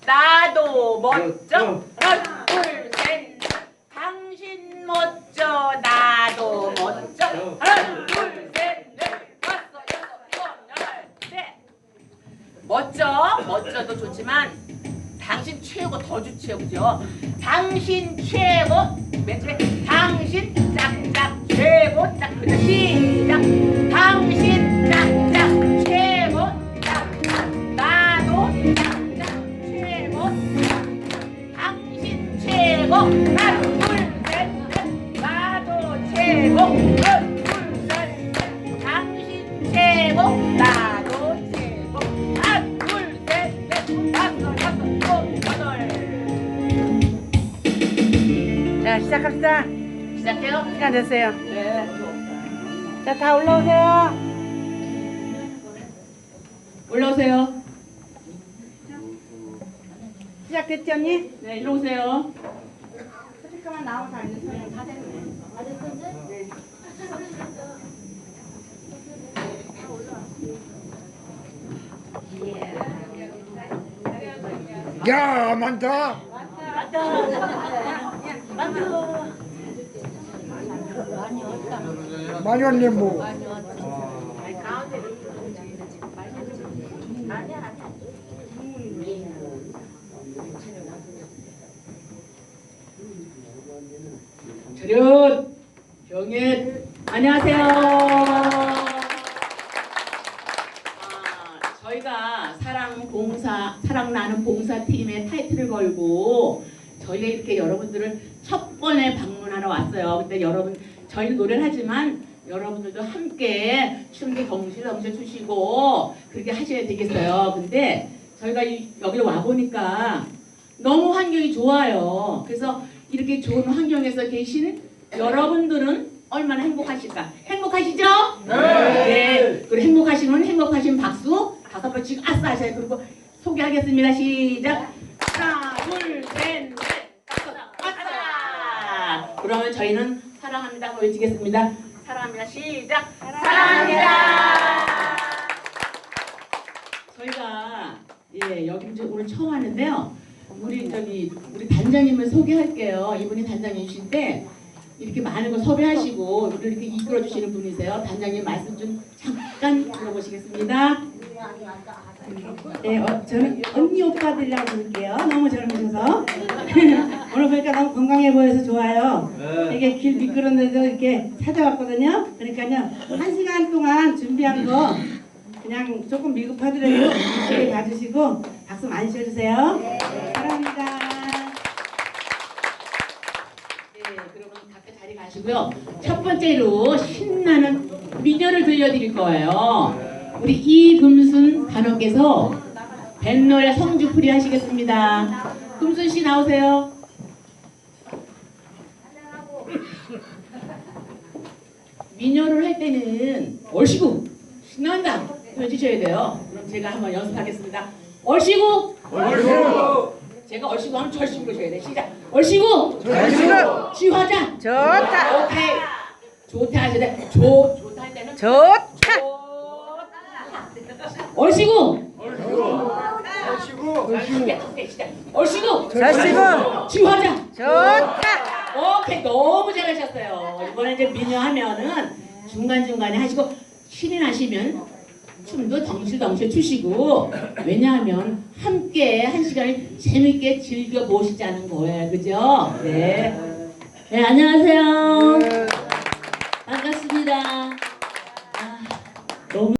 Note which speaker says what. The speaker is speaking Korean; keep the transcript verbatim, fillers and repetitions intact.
Speaker 1: 나도 멋져. 하나, 둘, 셋. 당신 멋져. 나도 멋져. 하나, 둘, 셋, 넷, 다섯, 여섯, 일곱, 여덟, 셋. 멋져. 멋져도 좋지만 당신 최고 더 좋지요, 그죠? 당신 최고. 맨 처음에 당신 짝짝 최고. 딱 그죠? 시작. 당신 짝짝 최고. 짝짝. 나도 짝짝 최고. 당신 최고. 하나 둘셋넷 나도 최고. 하나 둘셋넷 당신 최고. 나도 최고. 하나 둘셋넷 다섯 여섯 일곱 여덟.
Speaker 2: 자, 시작합시다.
Speaker 1: 시작해요?
Speaker 2: 시간 됐어요.
Speaker 1: 네.
Speaker 2: 자, 다 올라오세요.
Speaker 1: 올라오세요.
Speaker 2: 시작됐지, 언니?
Speaker 1: 네, 일로 오세요.
Speaker 2: 잠깐만 나오면 다 됐어요. 다 됐네. 네.
Speaker 3: 야, 많다. 많이 왔네, 뭐.
Speaker 1: 차렷! 경례! 안녕하세요. 아, 저희가 사랑 봉사, 사랑 나는 봉사팀의 타이틀을 걸고 저희가 이렇게 여러분들을 첫 번에 방문하러 왔어요. 근데 여러분, 저희는 노래를 하지만 여러분들도 함께 춤도 덩실덩실 추시고 그렇게 하셔야 되겠어요. 근데 저희가 이, 여기 와보니까 너무 환경이 좋아요. 그래서 이렇게 좋은 환경에서 계시는 여러분들은 얼마나 행복하실까? 행복하시죠? 네. 네. 그리고 행복하시면 행복하신 박수 다섯 번씩 아싸 하셔요. 그리고 소개하겠습니다. 시작. 하나, 둘, 셋, 넷, 다섯, 아싸. 그러면 저희는 사랑합니다 보여주겠습니다. 사랑합니다. 시작. 사랑합니다. 저희가 예 여기 이제 오늘 처음 왔는데요. 우리 저기 우리 단장님을 소개할게요. 이분이 단장님이신데 이렇게 많은 걸 섭외하시고 우리 이렇게 이끌어 주시는 분이세요. 단장님 말씀 좀 잠깐 들어보시겠습니다.
Speaker 4: 네, 어, 저는 언니 오빠들이라고 부를게요. 너무 젊으셔서 오늘 보니까 너무 건강해 보여서 좋아요. 이게 길 미끄러운데도 이렇게 찾아왔거든요. 그러니까요 한 시간 동안 준비한 거 그냥 조금 미흡하더라도 이렇게 봐주시고 박수 많이 쳐주세요. 사랑합니다.
Speaker 1: 네, 그러면 각자 자리 가시고요. 첫 번째로 신나는 민요를 들려드릴 거예요. 우리 이금순 단원께서 뱃노래 성주풀이 하시겠습니다. 금순 씨 나오세요. 민요를 할 때는 얼씨구 신난다 해주셔야 돼요. 그럼 제가 한번 연습하겠습니다. 얼씨구 얼씨구 제가 얼씨구 하면 절씨구로 줘야 돼. 시작. 얼씨구
Speaker 2: 얼씨구
Speaker 1: 지화자
Speaker 2: 좋다.
Speaker 1: 오케이. 좋다 하셔야 돼. 좋 좋다 할 때는
Speaker 2: 좋다.
Speaker 1: 얼씨구
Speaker 3: 얼씨구.
Speaker 1: 얼씨구
Speaker 2: 절씨구
Speaker 1: 지화자
Speaker 2: 좋다.
Speaker 1: 오케이. 너무 잘하셨어요. 이번에 이제 민요 하면은 중간중간에 하시고 신이 나시면 춤도 덩실덩실 추시고 왜냐하면 함께 한 시간을 재밌게 즐겨보시자는 거예요. 그죠? 네. 네, 안녕하세요. 반갑습니다. 아, 너무